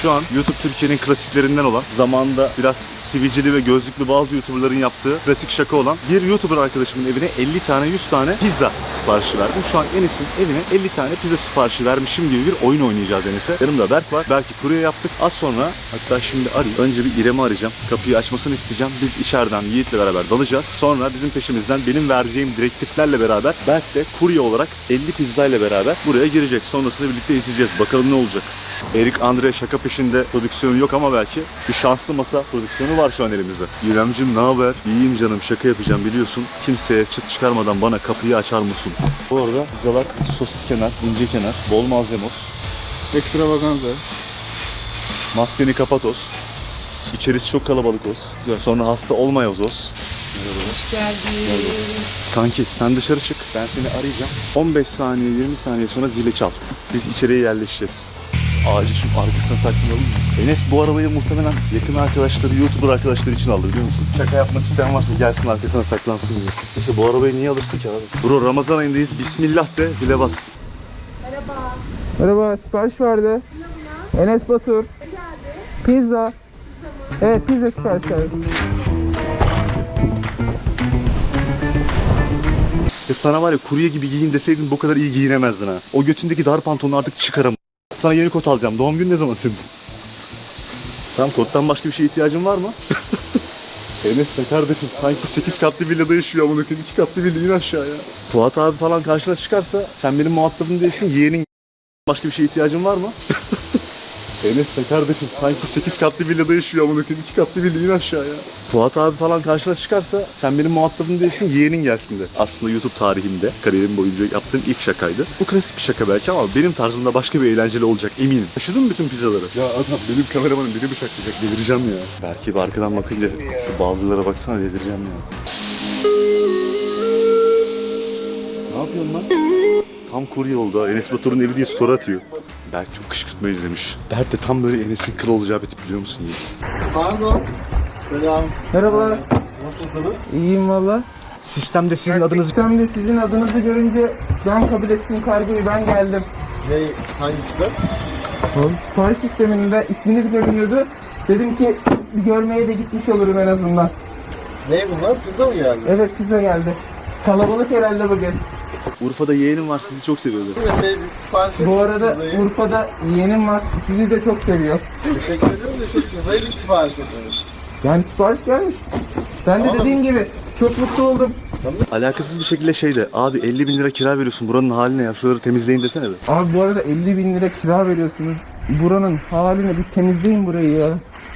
Şu an YouTube Türkiye'nin klasiklerinden olan, zamanında biraz sivicili ve gözlüklü bazı YouTuber'ların yaptığı klasik şaka olan bir YouTuber arkadaşımın evine 50 tane 100 tane pizza siparişi verdim. Şu an Enes'in evine 50 tane pizza siparişi vermişim gibi bir oyun oynayacağız Enes'e. Yanımda Berk var. Belki kurye yaptık. Az sonra, hatta şimdi arayayım. Önce bir İrem'i arayacağım. Kapıyı açmasını isteyeceğim. Biz içeriden Yiğit'le beraber dalacağız. Sonra bizim peşimizden benim vereceğim direktiflerle beraber Berk de kurye olarak 50 pizza ile beraber buraya girecek. Sonrasını birlikte izleyeceğiz. Bakalım ne olacak. Erik Andre şaka peşinde prodüksiyonu yok ama belki bir şanslı masa prodüksiyonu var şu an elimizde. İremcim ne haber? İyiyim canım, şaka yapacağım biliyorsun. Kimseye çıt çıkarmadan bana kapıyı açar mısın? Bu arada pizzalar sosis kenar, ince kenar, bol malzemos, Ekstravaganza. maskeni kapatos. İçerisi çok kalabalık olsun. Sonra hasta olmayız olsun. Hoş geldin. Kanki sen dışarı çık, ben seni arayacağım. 15 saniye 20 saniye sonra zili çal. Biz içeriye yerleşeceğiz. Acil şu arkasına saklayalım mı? Enes bu arabayı muhtemelen yakın arkadaşları, YouTuber arkadaşları için aldı biliyor musun? Şaka yapmak isteyen varsa gelsin arkasına saklansın diye. İşte bu arabayı niye alırsın ki abi? Bro Ramazan ayındayız, bismillah de, zile bas. Merhaba. Merhaba, sipariş vardı. Enes Batur. Ne geldi? Pizza. Evet, pizza sipariş verdim. Ya sana var ya kurye gibi giyin deseydin bu kadar iyi giyinemezdin ha. O götündeki dar pantolonu artık çıkaram. Sana yeni kot alacağım. Doğum günü ne zaman senin? Tamam, kottan başka bir şeye ihtiyacın var mı? Enes de kardeşim sanki 8 katlı villada yaşıyor ama 2 katlı villa in aşağıya. Fuat abi falan karşına çıkarsa sen benim muhatabım değilsin, yeğenin başka bir şeye ihtiyacın var mı? Enes de kardeşim sanki 8 katlı villada yaşıyor ama 2 katlı villa in aşağıya. Fuat abi falan karşına çıkarsa sen benim muhatabım değilsin, yeğenin gelsin de. Aslında YouTube tarihimde kariyerim boyunca yaptığım ilk şakaydı. Bu klasik bir şaka belki ama benim tarzımda başka bir eğlenceli olacak eminim. Taşıdın mı bütün pizzaları? Ya adam benim kameramanım beni bıçaklayacak, delireceğim ya. Belki bir arkadan bakınca şu bazılara baksana, delireceğim ya. Ne yapıyorsun lan? Tam kurye oldu ha. Enes Batur'un evi diye story atıyor. Berk çok kışkırtma izlemiş. Berk de tam böyle Enes'in kıl olacağı bir tip biliyor musun Yiğit? Pardon. Selam. Merhaba. Nasılsınız? İyiyim valla. Sistemde sizin adınızı... Ben de sizin adınızı görünce ben kabul ettim kargoyu, ben geldim. Ne, hangisi de? Sipariş sisteminde isminiz görünüyordu. Dedim ki bir görmeye de gitmiş olurum en azından. Ne bunlar? Pizza mı geldi? Evet, pizza geldi. Kalabalık herhalde bugün. Urfa'da yeğenim var, sizi çok seviyordu. Biz sipariş ettik Bu arada pizzayı. Urfa'da yeğenim var, sizi de çok seviyor. Teşekkür ederim de pizzayı biz sipariş ettik. Yani sipariş gelmiş. Ben de Ama dediğim biz- gibi çok mutlu oldum. Alakasız bir şekilde şeyde, abi 50 bin lira kira veriyorsun, buranın haline ya, şuraları temizleyin desene be. Abi bu arada 50 bin lira kira veriyorsunuz. Buranın haline bir temizleyin burayı ya.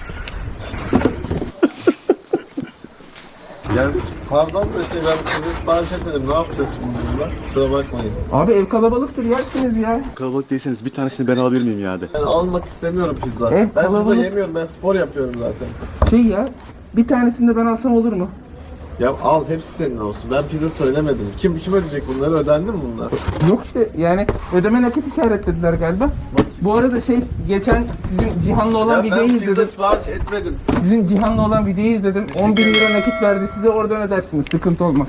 Yani pardon da ben pizza sipariş etmedim. Ne yapacağız şimdi bunlar? Kusura bakmayın. Abi ev kalabalıktır, yersiniz ya. Kalabalık değilseniz bir tanesini ben alabilir miyim ya de. Ben almak istemiyorum pizza. Evet, Ben pizza kalabalık. yemiyorum. Ben spor yapıyorum zaten. Şey ya, bir tanesini de ben alsam olur mu? Ya al, hepsi senin olsun. Ben pizza söylemedim. Kim ödeyecek bunları? Ödendi mi bunlar? Yok işte, yani ödeme nakit işaretlediler galiba. Bu arada geçen sizin Cihan'la olan Ya videoyu ben pizza izledim. sipariş etmedim. Sizin Cihan'la olan videoyu izledim. 10 bin lira nakit verdi size, oradan ödersiniz. Sıkıntı olmaz.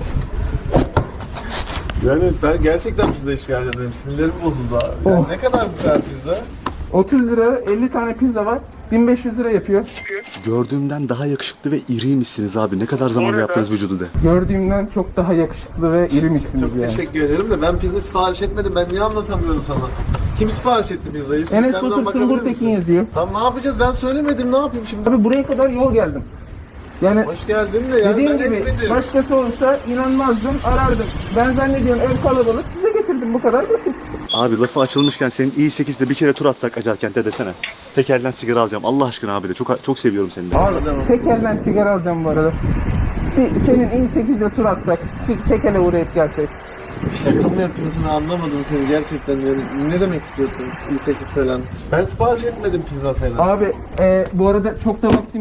Yani ben gerçekten pizza işgal ederim. Sinirlerim bozuldu abi. Yani Oh. ne kadar bu kadar pizza? 30 lira 50 tane pizza var. 1500 lira yapıyor. Gördüğümden daha yakışıklı ve iriymişsiniz abi. Ne kadar zamanda yaptınız vücudu de. Gördüğümden çok daha yakışıklı ve iri misiniz Çok yani. teşekkür ederim de ben pizza sipariş etmedim. Ben niye anlatamıyorum sana? Kim sipariş etti pizzayı? Enes Sistemden Batur bakabilir Sungur Tekin misin? yazıyor. Tamam, ne yapacağız? Ben söylemedim. Ne yapayım şimdi? Abi buraya kadar yol geldim. Yani Hoş geldin de yani dediğim ben gibi etmedim. başkası olsa inanmazdım, arardım. Ben zannediyorum ev kalabalık, size getirdim, bu kadar basit. Abi lafı açılmışken senin i8'de bir kere tur atsak Acarkent'e desene. Tekelden sigara alacağım. Allah aşkına abi de. Çok seviyorum seni de. Abi tek elden sigara alacağım bu arada. Senin in8'de tur atsak, tek ele uğrayıp gelsek. Şaka mı yapıyorsun? Anlamadım seni gerçekten. Yani ne demek istiyorsun? İyi 8 falan. Ben sipariş etmedim pizza falan. Abi bu arada çok da vaktim yok.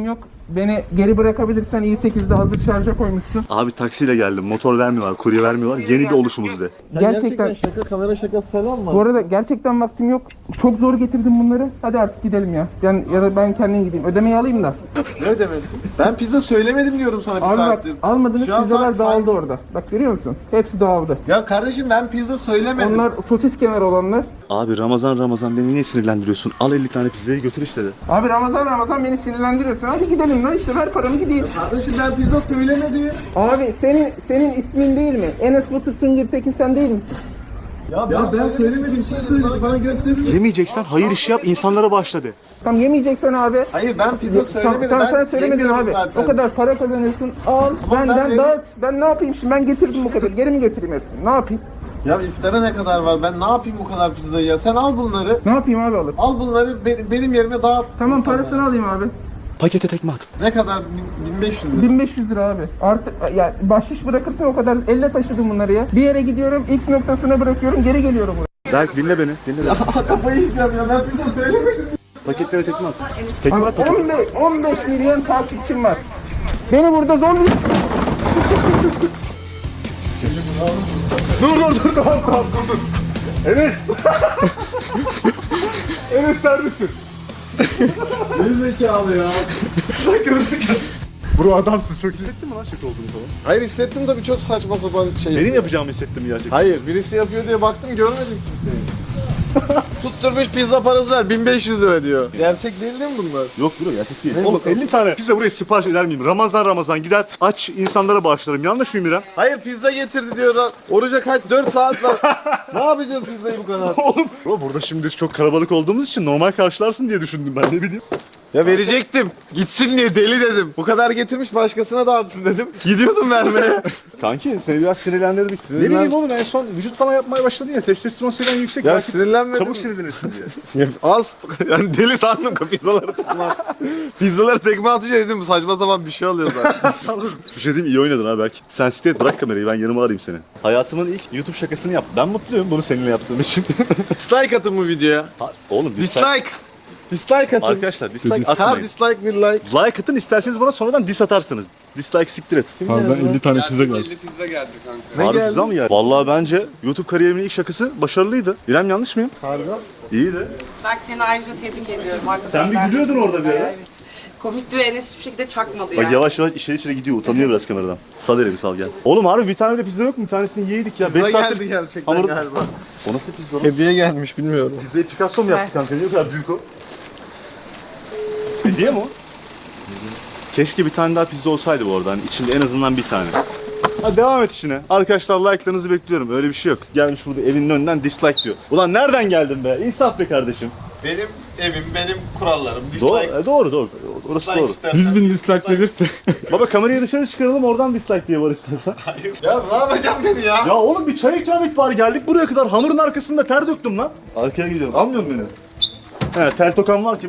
beni geri bırakabilirsen i8'de hazır şarja koymuşsun. Abi taksiyle geldim. Motor vermiyorlar, kurye vermiyorlar. Yeni bir oluşumuz de. Ya Gerçekten. şaka, kamera şakası falan mı? Bu arada gerçekten vaktim yok. Çok zor getirdim bunları. Hadi artık gidelim ya. Ya da ben kendim gideyim. Ödemeyi alayım da. Ne ödemesi? Ben pizza söylemedim diyorum sana bir Abi bak, saattir. almadığınız Şu an pizzalar sen- dağıldı orada. Bak görüyor musun? Hepsi dağıldı. Ya kardeşim ben pizza söylemedim. Onlar sosis kemer olanlar. Abi Ramazan beni niye sinirlendiriyorsun? Al 50 tane pizzayı götür işte de. Abi Ramazan beni sinirlendiriyorsun. Hadi gidelim lan işte ver paramı gideyim. Kardeşim ben pizza söylemedim. Abi senin ismin değil mi? Enes Batur Süngürtekin sen değil misin? Ya ben söylemedim, bir şey söyledim. Bana gösterin. Yemeyeceksen hayır işi yap, insanlara bağışla de. Tamam yemeyeceksen abi. Hayır ben pizza söylemedim. Tamam, sen Ben söylemedin yemiyorum abi. zaten. O kadar para kazanıyorsun. Al ben benden benim- dağıt. Ben ne yapayım şimdi? Ben getirdim bu kadar. Geri mi götüreyim hepsini? Ne yapayım? Ya iftara ne kadar var? Ben ne yapayım bu kadar pizzayı ya? Sen al bunları. Ne yapayım abi alıp? Al bunları benim yerime dağıt. Tamam insanlara. parasını alayım abi. Pakete tekme at. Ne kadar? 1500 lira. 1500 lira abi. Artı ya bahşiş bırakırsın o kadar. Elle taşıdım bunları ya. Bir yere gidiyorum, X noktasına bırakıyorum, geri geliyorum buraya. Berk dinle beni. Kafayı yiyeceğim ya, ben pizza söylemedim. Paketlere tekme at. Tekme Abi at paket. 15 milyon takipçim var. Beni burada zombi... Dur. Tamam, dur. Enes. Enes servisin. Gerizekalı ya. Bro adamsın çok hissettin mi lan şaka olduğunu falan? Hayır hissettim de bir çok saçma sapan şey. Benim yapacağımı hissettim gerçekten. Hayır birisi yapıyor diye baktım görmedim kimseyi. Tutturmuş pizza parası ver 1500 lira diyor. Gerçek değil mi bunlar? Yok bro gerçek değil. Ne Oğlum bakalım? 50 tane pizza buraya sipariş eder miyim? Ramazan gider aç insanlara bağışlarım. Yanlış mıyım İrem? Hayır pizza getirdi diyor. Oruca kaç? 4 saat var. Ne yapacağız pizzayı bu kadar? Oğlum. Bro burada şimdi çok kalabalık olduğumuz için normal karşılarsın diye düşündüm ben ne bileyim. Ya verecektim. Gitsin diye deli dedim. Bu kadar getirmiş başkasına dağıtsın dedim. Gidiyordum vermeye. Kanki seni biraz sinirlendirdik. Ne bileyim oğlum en son vücut falan yapmaya başladın ya testosteron seviyen yüksek. Ya belki sinirlenmedim. çabuk sinirlenirsin diye. Ya az yani deli sandım ki pizzaları tekme pizzaları tekme atınca dedim saçma sapan bir şey oluyor zaten. Bir şey diyeyim iyi oynadın ha belki. Sen site bırak kamerayı ben yanıma arayayım seni. Hayatımın ilk YouTube şakasını yaptım. Ben mutluyum bunu seninle yaptığım için. Dislike atın bu videoya. Oğlum Dislike. Dislike atın. Arkadaşlar dislike Her atmayın. dislike bir like. Like atın isterseniz bana sonradan dis atarsınız. Dislike siktir et. Abi ben 50 tane pizza geldi. 50 pizza geldi kanka. Ne Harbi geldi? güzel mi geldi? Vallahi bence YouTube kariyerimin ilk şakası başarılıydı. İrem yanlış mıyım? Harbi. İyiydi. Berk seni ayrıca tebrik ediyorum. Sen bir gülüyordun orada bir ara. Komik bir Enes hiçbir şekilde çakmadı Bak ya. yavaş yavaş içeri gidiyor utanıyor biraz kameradan. Sal bir sal gel. Oğlum harbi bir tane bile pizza yok mu? Bir tanesini yedik ya. Pizza 5 saattir geldi gerçekten hamur- galiba. O nasıl pizza lan? Hediye gelmiş bilmiyorum. Pizzayı Picasso mu yaptı kanka? Niye o kadar büyük o? Hediye mi o? Keşke bir tane daha pizza olsaydı bu arada. Hani içinde en azından bir tane. Hadi devam et işine. Arkadaşlar like'larınızı bekliyorum. Öyle bir şey yok. Gelmiş burada evinin önünden dislike diyor. Ulan nereden geldin be? İnsaf be kardeşim. Benim evim, benim kurallarım. Doğru, Dislike. doğru. Orası Dislike doğru. istersen. 100 bin dislike gelirse. Baba kamerayı dışarı çıkaralım oradan dislike diye var istersen. Ya ne yapacağım beni ya? Ya oğlum bir çay ikram et bari geldik buraya kadar hamurun arkasında ter döktüm lan. Arkaya gidiyorum. Almıyor musun beni? He tel tokan var ki